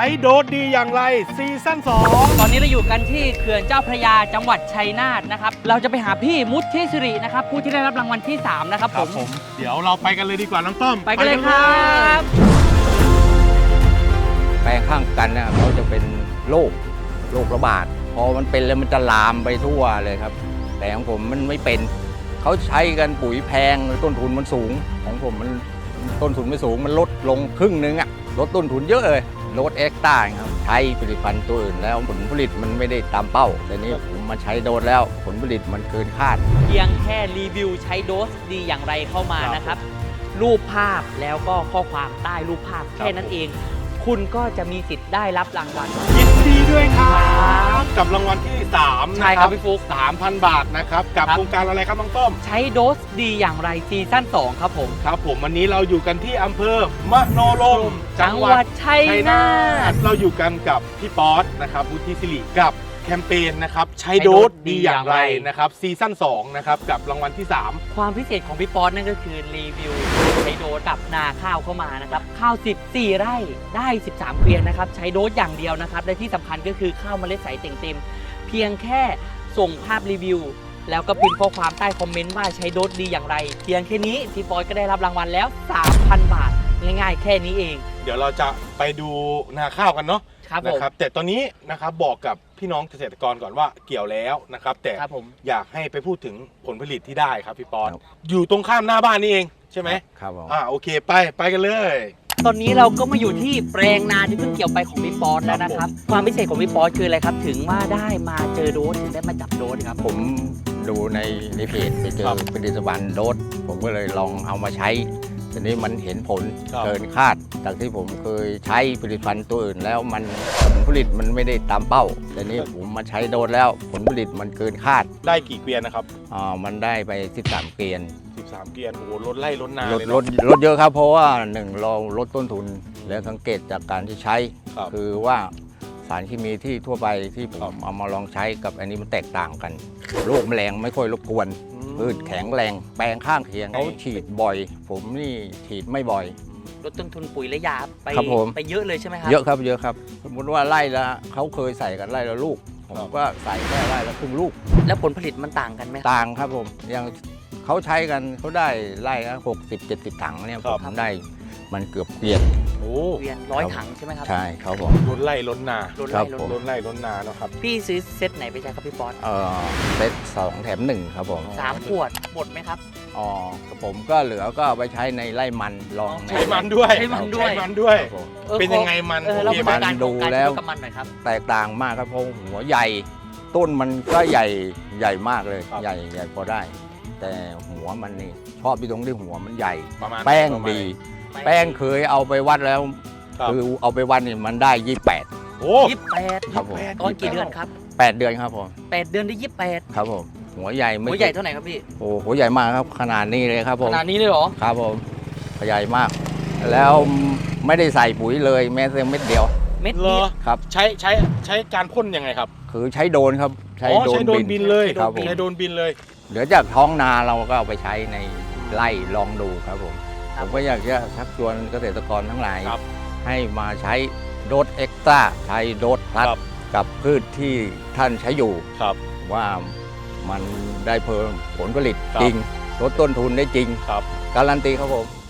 ช้โดสดีอย่างไรซีซั่น2 ตอนนี้เราอยู่กันที่เขื่อนเจ้าพระยาจังหวัดชัยนาทนะครับเราจะไปหาพี่มุทธิสิรินะครับผู้ที่ได้รับรางวัลที่3นะครับผมเดี๋ยวเราไปกันเลยดีกว่าน้องต้อมไปกันเลยครับแปลงข้างกันเนี่ยเขาจะเป็นโรคระบาดพอมันเป็นแล้วมันจะลามไปทั่วเลยครับแต่ของผมมันไม่เป็นเขาใช้กันปุ๋ยแพงต้นทุนมันสูงของผมมันต้นทุนไม่สูงมันลดลงครึ่งนึงอะลดต้นทุนเยอะเลยลดเอ็กซ์ต้าครับใช้ผลิตภัณฑ์ตัวอื่นแล้วผลผลิตมันไม่ได้ตามเป้าแต่นี้ผมมาใช้โดสแล้วผลผลิตมันเกินคาดเพียงแค่รีวิวใช้โดสดีอย่างไรเข้ามานะครับรูปภาพแล้วก็ข้อความใต้รูปภาพแค่นั้นเองคุณก็จะมีสิทธิ์ได้รับรางวัลยินดีด้วยครับกับรางวัลที่3 ใช่ครับพี่ฟุ๊ก 3,000 บาทนะครับกับโครงการอะไรครับน้องต้มใช้โดสดีอย่างไรซีซั่น2ครับผมครับผมวันนี้เราอยู่กันที่อำเภอมโนรมจังหวัดชัยนาทเราอยู่กันกับพี่ป๊อตนะครับวุฒิศิริกับแคมเปญนะครับใช้โดสดีอย่างไรนะครับซีซั่น2นะครับกับรางวัลที่3 ความพิเศษของพี่ป๊อตนั่นก็คือรีวิวใช้โดสกับนาข้าวเข้ามานะครับข้าว14ไร่ได้13เกวียนนะครับใช้โดสอย่างเดียวนะครับและที่สำคัญก็คือข้าวเมล็ดใสเต่งเต็มเพียงแค่ส่งภาพรีวิวแล้วก็พิมพ์ข้อความใต้คอมเมนต์ว่าใช้โดสดีอย่างไรเพียงแค่นี้พี่ป๊อตก็ได้รับรางวัลแล้ว 3,000 บาทง่ายๆแค่นี้เองเดี๋ยวเราจะไปดูนาข้าวกันเนาะนะครับแต่ตอนนี้นะครับบอกกับพี่น้องเกษตรกรก่อนว่าเกี่ยวแล้วนะครับแต่อยากให้ไปพูดถึงผลผลิตที่ได้ครับพี่ป๊อตอยู่ตรงข้ามหน้าบ้านนี่เองใช่ไหมครับโอเคไปกันเลยตอนนี้เราก็มาอยู่ที่แปลงนาที่เพิ่งเกี่ยวไปของพี่ป๊อตแล้วนะครับความพิเศษของพี่ป๊อตคืออะไรครับถึงว่าได้มาเจอโดสถึงได้มาจับโดสครับผมดูในเพจไปเจอผลิตภัณฑ์โดสผมก็เลยลองเอามาใช้ทีนี้มันเห็นผลเกินคาดจากที่ผมเคยใช้ผลิตภัณฑ์ตัวอื่นแล้วมันผลผลิตมันไม่ได้ตามเป้าแต่นี้ผมมาใช้โดสแล้วผลผลิตมันเกินคาดได้กี่เกวียนนะครับมันได้ไป13เกวียน 13เกวียนโอ้โหลดไร่ลดนาลดเยอะครับเพราะว่า1เราลดต้นทุนและสังเกตจากการที่ใช้คือว่าสารเคมีที่ทั่วไปที่ผมเอามาลองใช้กับอันนี้มันแตกต่างกันโรคแมลงไม่ค่อยรบกวนพืชแข็งแรงแปลงข้างเคียงเขาฉีดบ่อยผมนี่ฉีดไม่บ่อยลดต้นทุนปุ๋ยและยาไปเยอะเลยใช่ไหมครับเยอะครับสมมติว่าไร่ละเขาเคยใส่กันไร่ละลูกผมก็ใส่แค่ไร่ละครึ่งลูกแล้วผลผลิตมันต่างกันไหมต่างครับผมอย่างเขาใช้กันเขาได้ไร่ละ60-70 ถังเนี่ยผมได้มันเกือบเกวียน 100 ถังใช่ไหมครับใช่ครับผมลดไร่ลดนาลดไร่ลดนาเนาะครับพี่ซื้อเซตไหนไปใช้ครับพี่ป๊อตเซต2 แถม 1ครับผม 3 ขวดหมดไหมครับผมก็เหลือก็เอาไปใช้ในไร่มันลองใช้มันด้วยเป็นยังไงมันมันดูแล้วแตกต่างมากครับเพราะหัวใหญ่ต้นมันก็ใหญ่มากเลยใหญ่พอได้แต่หัวมันนี่ชอบที่ตรงที่หัวมันใหญ่แป้งดีแป้งเคยเอาไปวัดแล้วคือเอาไปวัดนี่มันได้28 โอ้ 28ครับผมตอนกี่เดือนครับ 8 เดือนครับผม 8 เดือนได้28 ครับผมหัวใหญ่เท่าไหร่ครับพี่โอ้หัวใหญ่มากครับขนาดนี้เลยครับผมขนาดนี้เลยเหรอครับผมใหญ่มากแล้วไม่ได้ใส่ปุ๋ยเลยแม้แต่เม็ดเดียวเม็ดเดียวครับใช้การพ่นยังไงครับคือใช้โดรนครับใช้โดรนบินเลยครับใช้โดรนบินเลยเหลือจากท้องนาเราก็เอาไปใช้ในไร่ลองดูครับผมก็อยากจะชักชวนเกษตรกรทั้งหลายให้มาใช้โดสเอ็กซ์ต้าใช้โดสพลัสกับพืชที่ท่านใช้อยู่ว่ามันได้เพิ่มผลผลิตจริงลดต้นทุนได้จริงการันตีครับผม